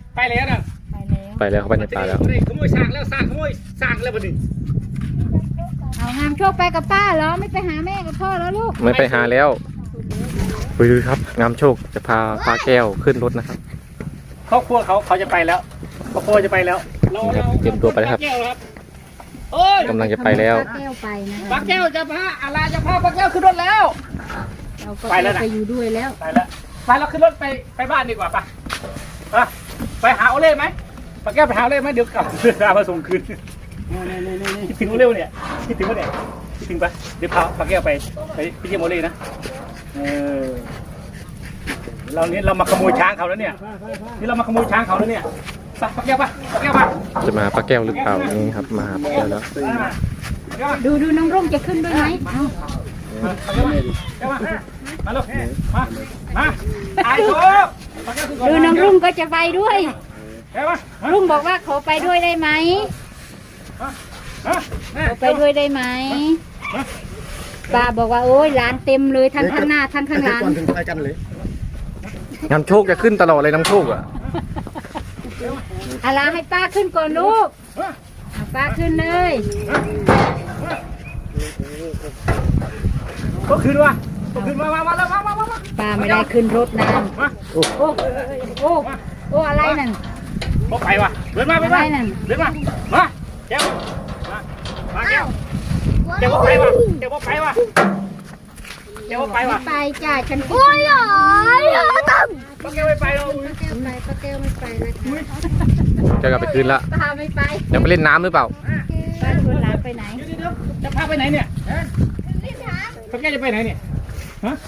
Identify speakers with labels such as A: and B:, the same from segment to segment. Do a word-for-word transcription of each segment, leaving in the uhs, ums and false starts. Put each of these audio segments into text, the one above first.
A: ไปแล้วนะ
B: ไปแล้วเขาไปในป่าแล้ว
A: ขโมยสากแล้วสากขโมยสากแล้วบัดนี้
C: เอางามโชคไปกับป้าเหรอไม่ไปหาแม่กับพ่อแล้วลูก
B: ไม่ไปหาแล้วไปดูครับงามโชคจะพาปลาแก้วขึ้นรถนะครับ
A: ครอบครัวเขาเขาจะไปแล้วครอบครัวจะไปแล้ว
B: นี่ครับเตรียมตัวไปแล้วครับกำลังจะไปแล้ว
C: ป้าแก้วไปนะ
A: ป้าแก้วจะพาอาลาจะพาป้าแก้วขึ้นรถแล้ว
C: เราก็ไปแล้วไปอยู่ด้วยแล้ว
A: ไปแล้วไปเราขึ้นรถไปไปบ้านดีกว่าป่ะไปหาโอเล่ไหมป้าแก้วไปหาโอเล่ไหมเดี๋ยวกลับเอามาส่งคืนคิดถึงโอเล่เนี่ยคิดถึงโอเล่คิดถึงปะเดี๋ยวพาป้าแก้วไปไปไปเยี่ยมโอเล่นะเออเราเนี่ยเรามาขโมยช้างเขาแล้วเนี่ยนี่เรามาขโมยช้างเขาแล้วเนี่ยป้าแก้วป่ะป้าแก้วป่ะ
B: จะมาป้าแก้วหรือเปล่านี่ครับมาป้าแก้วแล้ว
C: ดูดูน้องรุ่งจะขึ้นด้วยไหม
A: มาลูกมามาไอ้โชค
C: ดูน้องรุ่งก็จะไปด้วยรุ่งบอกว่าขอไปด้วยได้ไหมขอไปด้วยได้ไหมป้าบอกว่าโอ้ยหลานเต็มเลยทั้งข้างหน้าทั้งข้างหลัง
B: น้ำโชคจะขึ้นตลอดเลยน้ำโชคอ่ะ
C: อะไรให้ป้าขึ้นก่อนลูกป้าขึ้นเลย
A: ก็ขึ้นวะก็ขึ้นมามามาแล้วมามามา
C: ป้าไม่ได้ขึ้นรถนานโอ้โอ้โอ้โอ้อะไรนั่น
A: ก็ไปวะเดินมาไปมาเดินมามาแก้วมามาแก้วแก้วไปวะแก้วไปวะแก้วไปวะ
C: ไปจ้าฉันโอ้ยหรอตั้ม
A: ป้าแก้วไม่ไปหรอก
C: ป้าแก้วไปป้าแก้วไม่ไปนะคะ
B: จะกลับไปคืนละ
C: ป้าไม่ไป
B: ยังไปเล่นน้ำหรือเปล่า
C: ป้าชวนหลานไปไหน
A: จะพาไปไหนเนี่ยป้าแก้วจะไปไหนเนี่ยฮะ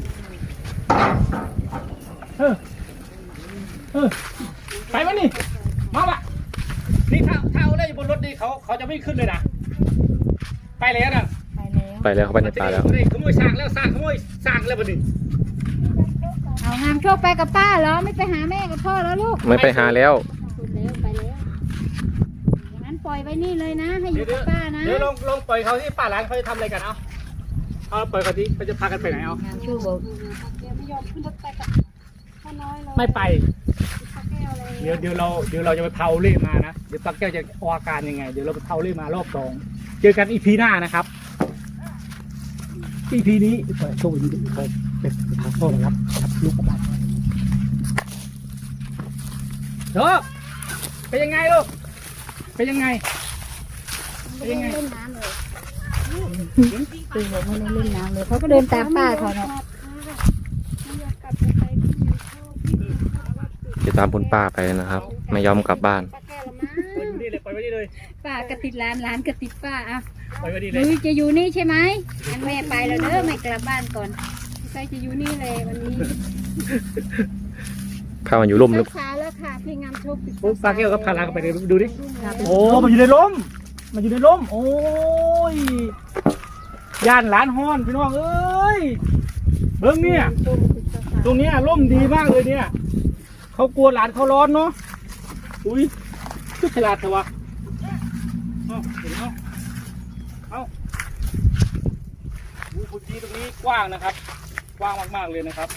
A: เออเออไปวะนี่มาปะนี่ถ้าถ้าเอาได้บนรถนี่เขาเขาจะไม่ขึ้นเลยนะไปแล้วนะ
B: ไปแล้วเขาไปในป่าแล้ว
A: ขโมยสากแล้วสากขโมยสากแล้วบัดนี้
C: เอางามโชคไปกับป้าเหรอไม่ไปหาแม่กับพ่อแล้วลูก
B: ไม่ไปหาแล้ว
C: ไปแล้วอย่างนั้นปล่อยไว้นี่เลยนะให้อยู่กับป้านะ
A: เดี๋ยวลงลงปล่อยเขาที่ป่าหลังเขาจะทำอะไรกันเอาเอาปล่อยเขาที่เขาจะพากันไปไหนเอา
C: งามโชคบอก
D: ไม่ยอมขึ้นรถไปกับพ่อน้อยเลย
A: ไม่ไปเดี๋ยวเดี๋ยวเราเดี๋ยวเราจะไปเผาเล่มานะเดี๋ยวป้าแก้วจะออกอาการยังไงเดี๋ยวเราไปเผาเล่มารอบสองเจอกันอีพีหน้านะครับอีพีนี้โชคดีไปเป็นทางโซ่นะครับลูกกระบะโชคเป็นยังไงลูกเป็นยังไงเป็นยังไง
C: เล่นน้ำเลยตื่นบอกไม่ได้เล่นน้ำเลยเขาก็เดินตามป้าเขาเนาะ
B: จะตามคุณป้าไปนะครับไม่ยอมกลับบ้าน
C: ป้ากระติดร้านร้านกระติดป้าอ่ะหนูจะอยู่นี่ใช่ไหมงั้นแม่ไปแล้วเด้อไม่กลับบ้านก่อนใครจะอยู่นี่เลยวันนี้
B: ข้ามันอยู่ร่มหรือ
C: ขาแล้วค่ะพี่งามโชค
A: ป้าแก้วก็พาลาไปดูดิโอ้มันอยู่ในร่มมันอยู่ในร่มโอ้ยย่านหลานฮ้อนพี่น้องเอ้ยเบิ้งเนี่ยตรงนี้ร่มดีมากเลยเนี่ยเขากลัวหลานเขาร้อนเนาะอุ้ยชุดฉลาดเถอะวะเอาเห็นไหมเอาดูพื้นที่ตรงนี้กว้างนะครับกว้างมากๆเลยนะครับ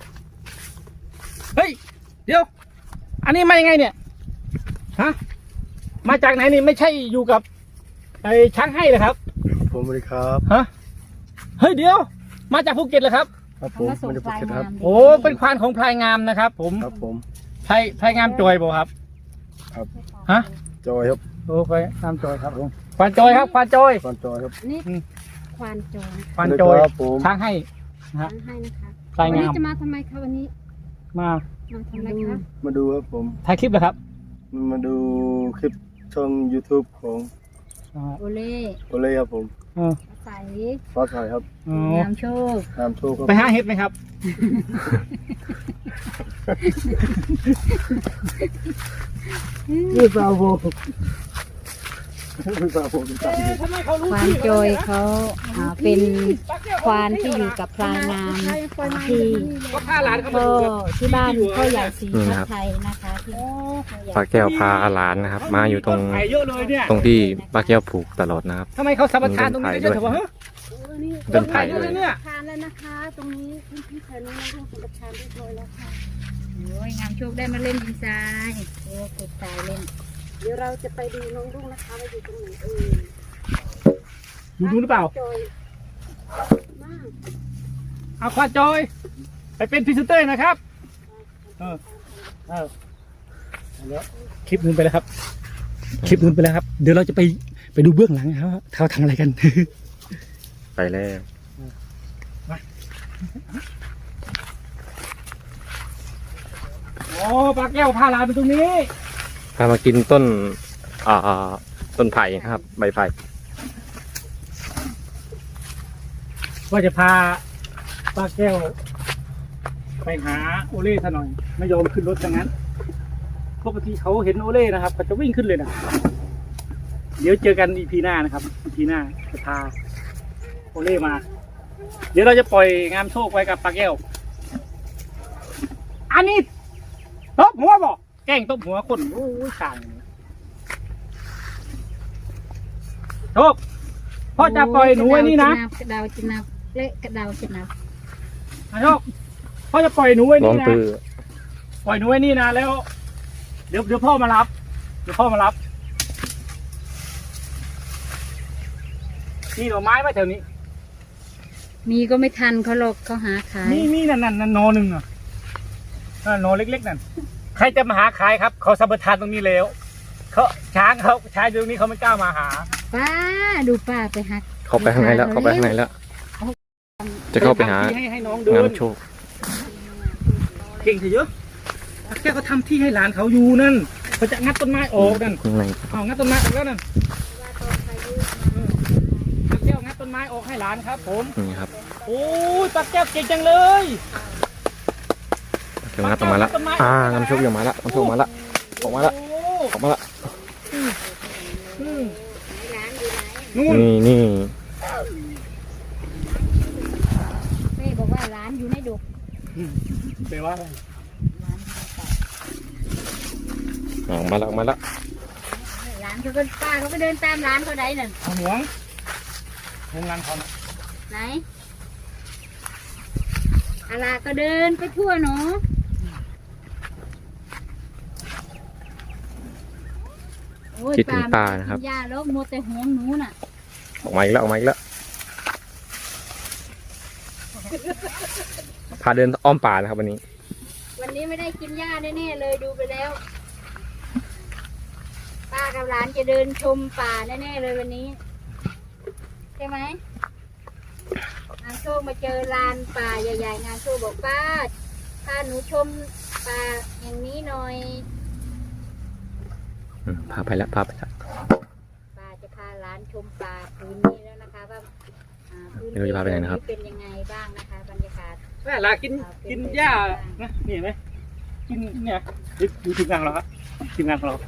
A: เฮ้ยเดี๋ยวอันนี้มายังไงเนี่ยฮะมาจากไหนนี่ไม่ใช่อยู่กับไอ้ช้างให้เลยครับ
E: ผมสวัสดีครับ
A: ฮะเฮ้ยเดี๋ยวมาจากภูเก็ตเหรอครับ
E: ครับผมมาจากภูเก็ตครับ
A: โอ้เป็นควานของพลายงามนะครับผม
E: ครับผม
A: พลายพลายงามจอยบ่ครับ
E: ครับ
A: ฮะ
E: จอยครับ
A: โอ้พลายงามจอยครับผมควานจอยครับควานจอย
E: ควานจอยครับ
C: นี่ควานจอย
A: ควานจอยช้างให้
C: ช้างให้นะคะ
A: พลายงาม
C: วันนี้จะมาทำไมคะวันนี้
A: มา
C: มาทำอะไรคะ
E: มาดูครับผม
A: ถ่ายคลิปเหรอครับ
E: มาดูคลิปช่อง ยูทูบ ของ
C: โอเล่
E: โอเล่ครับผม
C: ใส
E: ฟ้าใสครับ
C: งามโชค
E: งามโชคครับ
A: ไปหาเห็ดไหมครับ
E: นี่ปลาโบ
C: ควานจอยเขาเป็นควานที่อยู่กับพลายงามที่ก็ที่บ้านพ่อใหญ่ศรีพัฒไทยนะคะที่
B: ป้าแก้วพาหลานนะครับมาอยู่ตรงตรงที่ป้าแก้วผูกตลอดนะครับ
A: ทำไมเขาสัมปทานตรงนี้ได้ด้วยวะ
B: เดินไผ่เลย
C: ทานแล้วนะคะตรงนี้พี่แถวนี้เราสัมปทานเรียบร้อยแล้วค่ะโอ้ยงามโชคได้มาเล่นดินทรายโอ้ฝึกทรายเล่น
D: เดี๋ยวเราจะไปดูน้องรุ่งนะคะว่าอยู่ตรงไหนเออ
A: ดูดูหรือเปล่า
D: จอยมาก
A: เอาควาจอย ไปเป็นพรีเซนเตอร์นะครับ เออเออแล้วคลิปนู้นไปแล้วครับ คลิปนู้นไปแล้วครับ เดี๋ยวเราจะไปไปดูเบื้องหลังครับว่าเขาทำอะไรกัน
B: ไปแล้ว
A: อ๋อปลาแก้วพาหลานไปตรงนี้
B: พามากินต้นอ่าต้นไผ่นะครับ ใบไผ่
A: ว่าจะพาป้าแก้ว ไปหาโอเล่ซะหน่อย ไม่ยอมขึ้นรถดังนั้นปกติเขาเห็นโอเล่นะครับเขาจะวิ่งขึ้นเลยนะเดี๋ยวเจอกันอีพีหน้านะครับอีพีหน้าจะพาโอเล่มา เดี๋ยวเราจะปล่อยงามโชคไว้กับป้าแก้ว อันนี้ตบหัวบอกแกล้งตบหัวคนโอ้ยข่างโชคพ่อจะปล่อยหนูไว้นี่นะ
C: กระดาวจะนับเละกระดาวจะนับ
A: โชคพ่อจะปล่อยหนูไว้
B: น้อง
A: นี่นะ
B: ตือ
A: ปล่อยหนูไว้นี่นะแล้ว เดี๋ยวเดี๋ยวพ่อมารับ เดี๋ยวพ่อมารับนี่หน่อไม้ไหมแถวนี้
C: มีก็ไม่ทันเขาหรอกเขาหาขาย
A: นี่นี่นั่นนั่นนั่นนอหนึ่งอ่ะนั่นนอเล็กๆนั่นใครจะมาหาขายครับเขาสัมปทานตรงนี้แล้วเขาช้างเขาช้างอยู่ตรงนี้เขาไม่กล้ามาหา
C: ป้าดูป้าไปหัก
B: เข้าไปข้างในแล้ว เข้าไปข้างในแล้ว จะเข้าไปหา
A: ให้ให้น้องเดิ
B: งาม
A: น
B: โชค
A: เก่งเถอะเยอะแกเขาทำที่ให้หลานเขาอยู่นั่นเขาจะงัดต้นไม้ออกนั่น
B: ข้างใน
A: เอางัดต้นไม้ออกแล้วนั่นปลาแก้วงัดต้นไม้ออกให้หลานครับ ผม
B: นี่ครับ
A: โอ้ยปลาแก้วเก่งจังเลย
B: เดี๋ยวงัดออกมาแล้วอ่างามโชคออกมาแล้วงามโชคมาแล้วออกมาแล้ว
A: โอ้
B: ออกมาแล้ว
A: อืม
C: ร้านอยู่ไหน
A: นู่น
B: นี่นี่
C: แม่บอกว่าร้านอยู่ในดุ
A: แปลว่าอะไร
B: ออกมาแล้วออกมาแล้ว
C: ร้านเขาก็ป้าเขาก็เดินตามร้านเขาได้นั่น
A: เอาหวงโรงงานเขาน่ะ
C: ไหนอาลาก็เดินไปทั่วเนาะโอ้ย
B: คิดถึงป้านะครับ
C: ยาแล้วมัวแต่หวงหนูน่ะ
B: ออกมาอีกแล้วออกมาอีกแล้วพาเดินอ้อมป่านะครับวันนี้
C: วันนี้ไม่ได้กินหญ้าแน่ๆเลยดูไปแล้ว ป้ากับหลานจะเดินชมป่าแน่ๆเลยวันนี้ใช่ไหมงานโชคมาเจอลานป่าใหญ่ๆงานโชคบอกป้าพาหนูชมป่าอย่างนี้หน่อย
B: อืมพาไปแล้วพาไปแล้ว
C: ป้าจะพาหลานชมป่าพื้นนี้แล้วนะคะว่าอ่าพื้น
B: ไม่รู้จะพาไปไหนนะครับ
C: เป็นยังไงบ้างนะคะบรรยากาศ
A: แม่ลากินกินหญ้านะนี่เห็นไหมกินเนี่ยดูดูทีมงานของเราครับทีมงานของเรา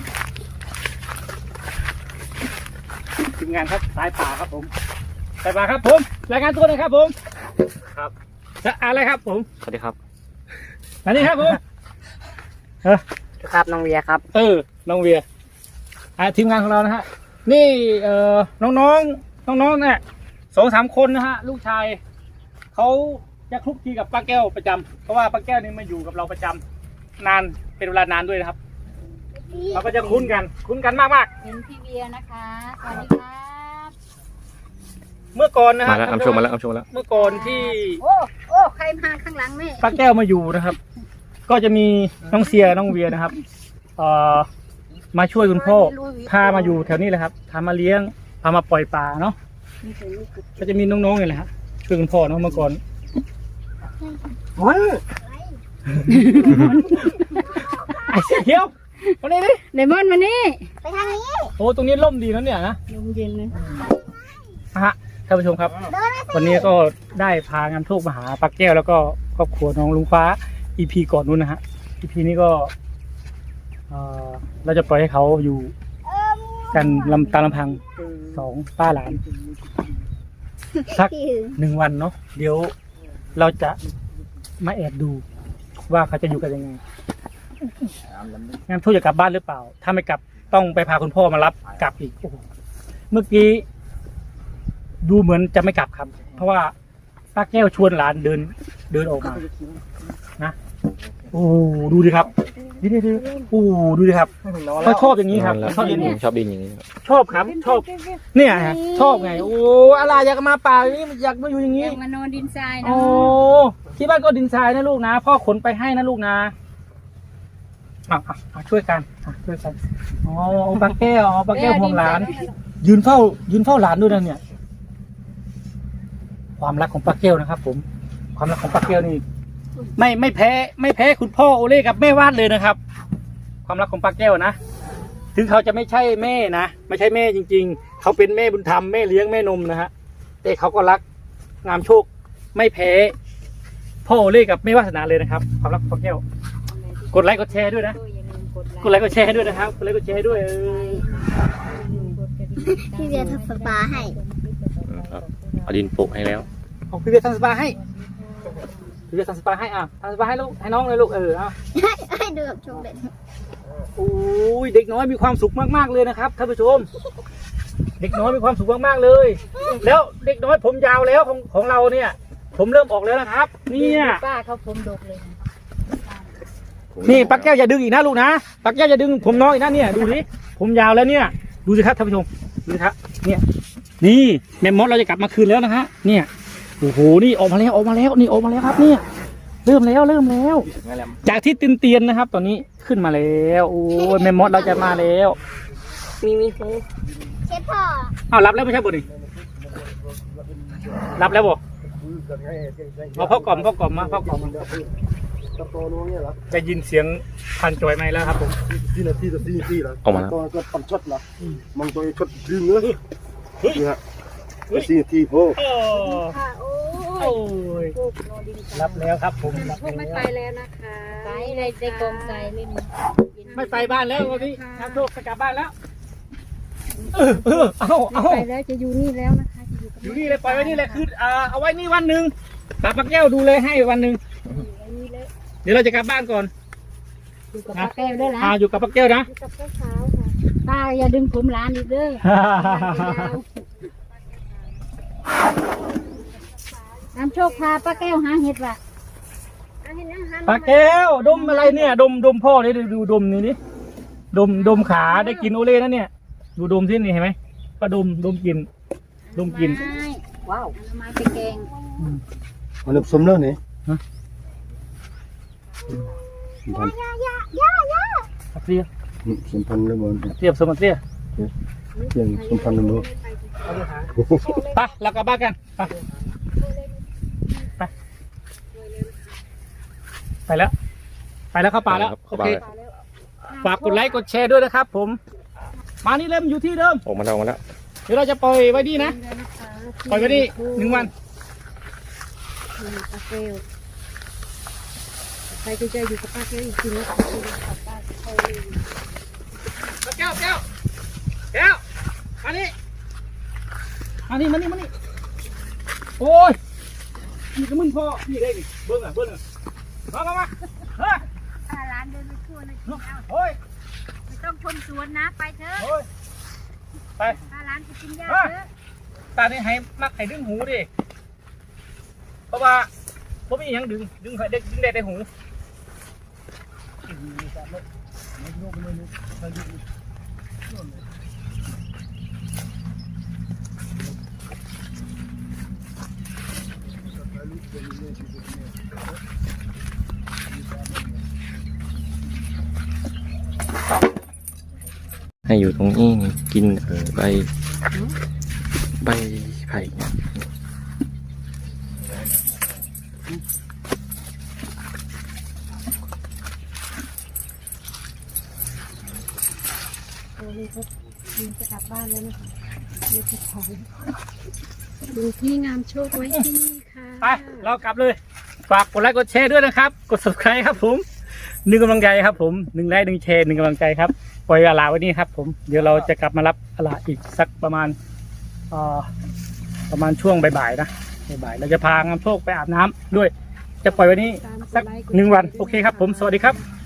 A: ทีมงานครับสายป่าครับผมสายป่าครับผมรายงานตัวหน่อยครับผมครับจะอะไรครับผม
B: สวัสดีครับ
A: อันนี้ครับผม
F: ครับน้องเวียครับ
A: เออน้องเวียอ่าทีมงานของเรานะฮะนี่เอ่อน้องๆน้องๆเนี่ยสองสามคนนะฮะลูกชายเขาจะคลุกคลีกับป้าแก้วประจำเพราะว่าป้าแก้วนี่มาอยู่กับเราประจำนานเป็นเวลานานด้วยนะครับเราก็จะคุ้นกันคุ้นกันมากมาก
C: เห็นพี่เบียร์นะคะสวัสดีครับ
A: ๆเมื่อก่อนนะ
B: มา
A: ฮะ
B: แล้วน้ำโชคมาแล้วน้ำโชคมาแล้ว
A: เมื่อก่อนที่
C: โอ้โอ้ใครมาข้างหลังแม่
A: ป้าแก้วมาอยู่นะครับ ก็จะมีน้องเสียน้องเวียนะครับเอ่อมาช่วยคุณพ่อพามาอยู่แถวนี้เลยครับพามาเลี้ยงพามาปล่อยปลาเนาะก็จะมีน้องๆนี่แหละฮะช่วยคุณพ่อเนาะเมื่อก่อนโอ้ยไอ้เสียเขียวมานี่ดิ
C: เลมอนมานี่
A: โอ้ตรงนี้ร่มดีนะเนี่ยนะ
C: ลมเย็นเลย
A: ฮะท่านผู้ชมครับ วันนี้ก็ได้พางานโชคมาหาปักแก้วแล้วก็ครอบครัวน้องลุงฟ้า อี พี ก่อนนู้นนะฮะ อี พี นี้ก็เอ่อเราจะปล่อยให้เขาอยู่กันลำตามลำพังสองป้าหลานสักหนึ่งวันเนาะเดี๋ยวเราจะมาแอบดูว่าเขาจะอยู่กันยังไงงานทูตจะกลับบ้านหรือเปล่า ถ้าไม่กลับต้องไปพาคุณพ่อมารับกลับอีกโอ้โหเมื่อกี้ดูเหมือนจะไม่กลับครับ เพราะว่าป้าแก้วชวนหลานเดินเดินออกมานะโอ้ดูดิครับดิดิดิโอ้ดูดิครับเขาชอบอย่างนี้ครับ
B: แล้ว
A: ชอบอย่างนี้
B: ชอบดินอย่างนี้
A: ชอบครับชอบเนี่ยฮะชอบไงโอ้อะไรอยากมาป่าอย่างนี้อยากมาอยู่อย่าง
C: อ
A: นี้
C: ยากมานอนดินทราย
A: โอ้
C: เนาะ
A: ที่บ้านก็ดินทรายนะลูกนะพ่อขนไปให้นะลูกนะอ่ะอ่ะอ่ะช่วยกันอ่ะช่วยกันอ๋อปลาแก้วอ๋อปลาแก้วห่วงหลาน ยืนเฝ้า ยืนเฝ้าหลานด้วยนะเนี่ย ความรักของปลาแก้วนะครับ ผม ความรักของปลาแก้วนี่ ไม่ไม่แพ้ ไม่แพ้คุณพ่อโอเล่กับแม่วาดเลยนะครับ ความรักของปลาแก้วนะ ถึงเขาจะไม่ใช่แม่นะไม่ใช่แม่จริง ๆ เขาเป็นแม่บุญธรรมแม่เลี้ยงแม่นมนะฮะแต่เขาก็รักงามโชค ไม่แพ้พ่อโอเล่กับแม่วาสนาเลยนะครับ ความรักของปลาแก้ว กดไลค์กดแชร์ด้วยนะ กดไลค์กดแชร์ด้วยนะครับ กดไลค์กดแชร์ด้วยเออ
D: พี่เบียร์ทำสปาให้
B: อืมครับเอาดินโปะให้แล้ว
A: ของพี่เบียร์ทำสปาให้พี่เบียร์ทำสปาให้อ่ะทำสปาให้ลูกให้น้องเลยลูกเออเอา
D: ให้ให้ดูกับชมเด็ด
A: โอ้ยเด็กน้อยมีความสุขมากๆเลยนะครับท่านผู้ชม เด็กน้อยมีความสุขมากๆเลย แล้วเด็กน้อยผมยาวแล้วของของเราเนี่ย ผมเริ่มออกแล้วนะครับ เนี่ย
C: ป้าเขาผมดกเลย
A: นี่ปักแก้วอย่าดึงอีกนะลูกนะปักแก้วอย่าดึงผมน้อยอีกนะเนี่ยดูสิผมยาวแล้วเนี่ย ดูสิครับท่านผู้ชมดูสิครับเนี่ยนี่แมมมอสเราจะกลับมาคืนแล้วนะฮะเนี่ยโอ้โหนี่ออกมาแล้วออกมาแล้วนี่ออกมาแล้วครับเนี่ย เริ่มแล้วเริ่มแล้ว จากที่เตียนๆนะครับ ตอนนี้ขึ้นมาแล้วโอ้ยแมมมอสเราจะมาแล้ว
D: มีมีเคเชฟพ่อ
A: เอารับแล้วไม่ใช่บุญนี่รับแล้วบ่เอาพ่อกล่อมพ่อกล่อมมาพ่อกล่อมจะยินเสียงพันจอยไหมแล้วครับผม
E: ที่นาทีต่อที่นาทีแล้ว
B: ออกมาแล้ว
E: ตัวก็ปั่นช็อตละมองตัวช็อตดึงเลยนี่ฮะสี่นาทีโอ้
A: โอ้
D: ค่ะโอ้
A: โอ้ยรับแล้วครับผมรับ
D: พวกไม่ไป
A: แล้ว
D: แล้วนะคะ
C: ไปในในกองทรายเล่น
A: ไม่ไปบ้านแล้ววันนี้น้ำโชคจะกลับบ้านแล้วเออเออเอาเอา
D: ไปแล้วจะอยู่นี่แล้วนะคะจะอยู่กับ
A: อยู่นี่เลยปล่อยไว้นี่เลยคืออ่าเอาไว้นี่วันหนึ่งตาปักแก้วดูเลยให้วันหนึ่ง
D: นี่เลย
A: เดี๋ยวเราจะกลับบ้านก่อน
C: อยู่กับป้าแก้วด้วยนะ
A: อ่าอยู่กับปักแก้วนะ
D: อยู่กับเจ้าสาวค่ะ
C: ป้าอย่าดึงผมหลานอีกเด้อน้ำโชคพาป้าแก้วหาเห็ดว่ะ
D: เอาให้นั่งหัน
A: ปลาแก้วดมอะไรเนี่ย ดมดมพ่อเลยดูดูดมนี่นี่ดมดมขาได้กินโอเล่นะเนี่ย ดูดมที่นี่เห็นไหมก็ดมดมกินดมกิน
C: ไม้ว้าวเอาไม้ไปแกง
E: มันสมแล้วนี่
D: ย่าย่าย่าย่า
A: เตี้ย
E: สมพันธ์เลยบอล
A: เตี้ยสมเตี้ย
E: เพียงสมพันธ์เลยบอล
A: ไปเรากลับบ้านกันไปไปไปแล้ว ไปแล้วเข้าป่าแล้วโอเคฝากกดไลค์กดแชร์ด้วยนะครับ ผม มานี่เริ่มอยู่ที่เดิม
B: ออกมาแล้วออกมาแล้ว
A: เดี๋ยวเราจะปล่อยไว้ดีนะปล่อยไว้ดีหนึ่งวัน
D: ป้าเกลใครจะเจออยู่กับป้าเกลอีกทีนึงกับป้าเกล
A: แก้วแก้วแก้วมานี่มานี่มานี่มานี่โอ้ยนี่ก็มึงพ่อนี่ได้ดิเบิ้งอ่ะเบิ้งอ่ะมามามาเฮ้ย
C: พาหลานเดินไปทั่วเลย
A: โอ้ย
C: ไม่ต้องชมสวนนะไปเถอะ
A: โอ้ยไป
C: พาหลานไปกินหญ้าเถอะ
A: ตานี่ให้มักให้ดึงหูดิเพราะว่าผมมีอย่างดึงดึงให้เด็กดึงได้ในหู
B: ให้อยู่ตรงนี้กินเออใบใบไผ่เนี่ย
D: โอ้ยเขาจะกลับบ้านแล้วนะคะเดี๋ยวจะถอยดูที่งามโชคไว้ที่นี่ค่ะ
A: ไปเรากลับเลยฝากกดไลค์กดแชร์ด้วยนะครับกด subscribe ครับผมหนึ่งกำลังใจครับผมหนึ่งไลค์หนึ่งแชร์หนึ่งกำลังใจครับปล่อยอาลาไว้นี่ครับผมเดี๋ยวเราจะกลับมารับอาลาอีกสักประมาณเอ่อประมาณช่วงบ่ายๆนะบ่ายๆเราจะพางามโชคไปอาบน้ำด้วย จะปล่อยไว้นี้สักหนึ่งวันโอเคครับผมสวัสดีครับ